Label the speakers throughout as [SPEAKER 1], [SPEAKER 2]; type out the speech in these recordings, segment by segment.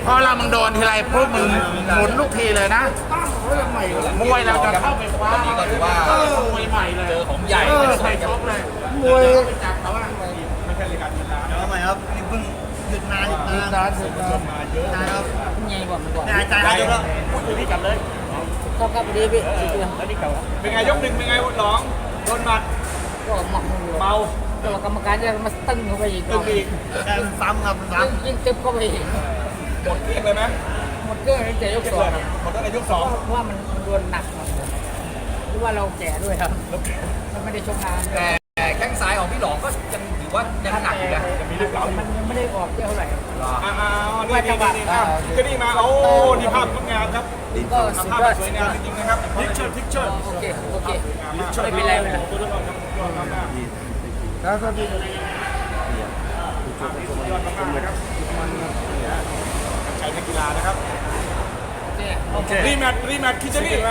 [SPEAKER 1] พอเรามึงโดนทีไรพวกมึงหมุนลูกทีเลยนะมวยเราจะเข้าไปคว้านี่ก็ถือว่ามวยใหม่เลยเจอของใหญ่ใส่ชกเลยมวยจับเขาว่าไม่ใช่รายการกีฬาเดี๋ยวใหม่ครับนี่เพิ่งหยุดนานมาเยอะนะครับ
[SPEAKER 2] ใหญ่กว่ามันก่อน
[SPEAKER 1] ใจเยอะแล้วพูดถึงนี่กลับเลย
[SPEAKER 2] ครับดีพี่
[SPEAKER 1] แล้วนี่เก่าเป็นไงยกหนึ่งเป็นไงหลองโดนหมัด
[SPEAKER 2] ก็หมัก
[SPEAKER 1] เมา
[SPEAKER 2] ตัวกรรมการจะมาตึ้งเข้าไปอีก
[SPEAKER 1] ซ้ำครับซ้
[SPEAKER 2] ำยิ่งตึ๊บเข้าไปอีก
[SPEAKER 1] หมดเกลี้ยงเลยไหม
[SPEAKER 2] หมดเกลี้ยงตั้งแต่ยกสอง
[SPEAKER 1] หมดตั้งแต่ยกสอง
[SPEAKER 2] เพราะว่ามันโดนหนักหรือว่าเราแก่ด้วยครับมันไม่ได้ชกนาน
[SPEAKER 3] แต่แข้งซ้ายของพี่หลองก็ยังถือว่ายังหนักอยู่นะ
[SPEAKER 2] ยังมีลูกหลานมันยังไม่ได้ออกเท่าไหร่
[SPEAKER 1] นี่ก็นี่มาโอ้นี่ภาพงดงามครับ
[SPEAKER 2] ก็สุดยอด
[SPEAKER 1] สวยงามจริงๆนะครับพิกเชอร์
[SPEAKER 2] โอเคไม่เป็นไรเลย
[SPEAKER 1] แล้วก็พี่ยอดมากๆนะครับใช้นักกีฬานะครับรีแมทคิชนี่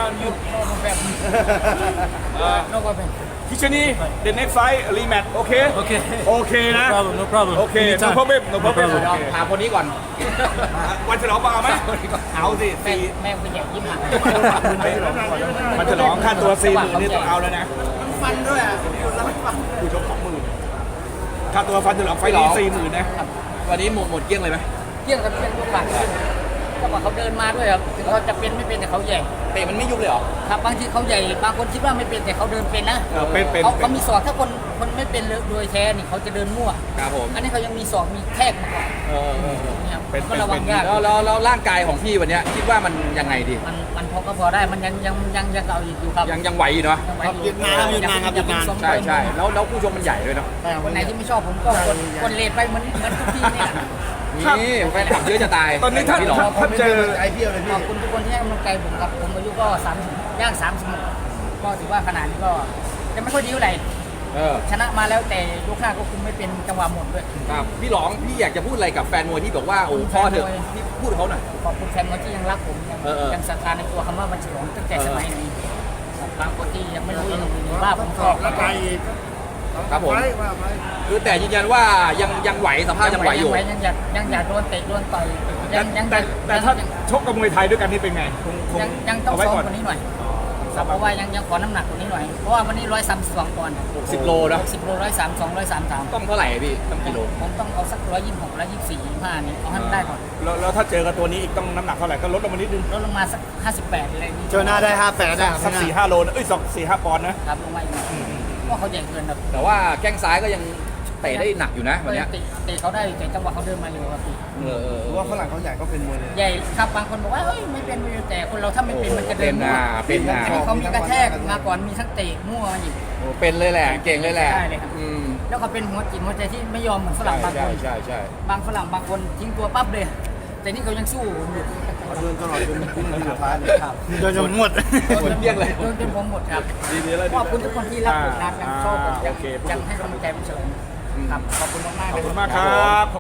[SPEAKER 1] คิชนี่ the next fight rematch โอเคนะ
[SPEAKER 3] no problem
[SPEAKER 1] โอเค no problem
[SPEAKER 3] ถามคนนี้ก่อน
[SPEAKER 1] วันฉลองมาเอาไหมเอาสิ
[SPEAKER 2] แม่เป็นอย่างยิ่งหัก
[SPEAKER 1] วันฉลองค่าตัว40,000นี่ต้องเอาแล้วนะ
[SPEAKER 2] ฟันด้วยอ่ะ
[SPEAKER 1] ผู้ชม20,000ค่าตัวฟันฉลองไฟนี้40,000นะ
[SPEAKER 3] วันนี้หมดเกลี้ยงเลยไหม
[SPEAKER 2] เกลี้ยงกับเกลี้ยงทุกฝั่งก็ว่าเขาเดินมาด้วยครับถึงเขาจะเป็นไม่เป็นแต่เขาใหญ่
[SPEAKER 3] เตะมันไม่ยุบเลยเหรอ
[SPEAKER 2] ครับบางทีเขาใหญ่บางคนคิดว่าไม่เป็นแต่เขาเดินเป็นนะเขามีศอกถ้าคนไม่เป็นโดยแท้นี่เขาจะเดินมั่ว
[SPEAKER 3] ครับผม
[SPEAKER 2] อันนี้เขายังมีศอกมีแทกมาก่อน
[SPEAKER 3] เป็นระวังยากแล้วร่างกายของพี่วันนี้คิดว่ามันยังไงดี
[SPEAKER 2] มันพอได้มันยังเอาอยู่ครับ
[SPEAKER 3] ยังไหวอยู่เนาะ
[SPEAKER 1] หยุดนาน
[SPEAKER 3] ใช่แล้วผู้ชมมันใหญ่ด้วยเนาะ
[SPEAKER 2] วันไหนที่ไม่ชอบผมก็คนเลทไปเหมือนทุกทีเนี่ย
[SPEAKER 3] นี่แฟนคลับเยอะจะตาย
[SPEAKER 1] ตอนนี้ท่านเจอไอเพียวเลยพี่
[SPEAKER 2] ขอบคุณทุกคนที่ให้กำลังใจผมครับผมอายุก็30ย่าง30ก็ถือว่าขนาดนี้ก็จะไม่ค่อยดีเท่าไหร่ชนะมาแล้วแต่ยกหน้าก็คุมไม่เป็นจังหวะหมดด้วย
[SPEAKER 3] ครับพี่หลองพี่อยากจะพูดอะไรกับแฟนมวยที่บอกว่าโอ้พอเถอะพี่พูดเขาหน่อย
[SPEAKER 2] ขอบคุณแฟนมวยที่ยังรักผมยังศรัทธาในตัวคำว่าบัญชีหลองตั้งแต่สมัยนี้บางคนที่ยังไม่รู้ว่าผมชอบ
[SPEAKER 1] แล้วไป
[SPEAKER 3] ครับผมคือแต่ยืนยันว่ายังไหวสภาพยังไหวอยู่
[SPEAKER 2] ยังอยากโดนเตะโดนต่อย
[SPEAKER 1] แต่ถ้าชกกับมวยไทยด้วยกันนี่เป็นไง
[SPEAKER 2] ยังต้องซ้อมกว่านี้หน่อยเพราะว่ายังขอน้ำหนักกว่านี้หน่อยเพราะว่าวันนี้132ปอนด์
[SPEAKER 3] 60 โลนะ
[SPEAKER 2] 10 โล132 133
[SPEAKER 3] ต้องเท่าไหร่พี่ต้องกิโล
[SPEAKER 2] ผมต้องเอาสัก126 124 25นี่เอาให้ได้ก่อน
[SPEAKER 1] แล้วถ้าเจอกับตัวนี้อีกต้องน้ำหนักเท่าไหร่ก็ลดลงมานิดนึง
[SPEAKER 2] ลดลงมาสัก58อะไรนี้
[SPEAKER 1] เจอหน้าได้58ได้สัก4-5 โลนะ4-5 ปอนด์นะครับ
[SPEAKER 2] ลงมาอีกก็เขาใหญ่เกินครับ
[SPEAKER 3] แต่ว่าแข้งซ้ายก็ยังเตะได้หนักอยู่นะวันนี้
[SPEAKER 2] เตะเขาได้แต่จังหวะเขาเดินมาเร็วครับพี่
[SPEAKER 1] ว่าฝรั่งเขาใหญ่ก็เป็นมวยเลย
[SPEAKER 2] ใหญ่ครับบางคนบอกว่าเฮ้ยไม่เป็นแต่คนเราถ้าไม่เป็นมันจะเดิน
[SPEAKER 3] มั่วเป็นนะ
[SPEAKER 2] เขามีกระแทกมาก่อนมีทั้งเตะมั่วอีก
[SPEAKER 3] เป็นเลยแหละเก่งเลยแหละ
[SPEAKER 2] ใช่เลยครับแล้วเขาเป็นหัวจิตหัวใจที่ไม่ยอมเหมือนฝรั่งบางคน
[SPEAKER 3] ใช่
[SPEAKER 2] บางฝรั่งบางคนทิ้งตัวปั๊บเลยแต่นี่เขายังสู้อยู่
[SPEAKER 1] เดินตลอดจนสุดท้ายครับโดนจนหมด
[SPEAKER 3] เรียกเลย
[SPEAKER 2] โดนจนผมหมดครับขอบคุณทุกคนที่รักผมนะยังชอบผมยังให้กำลังใจผมเฉยครับขอบคุณมากๆ
[SPEAKER 1] ขอบคุณมากครับ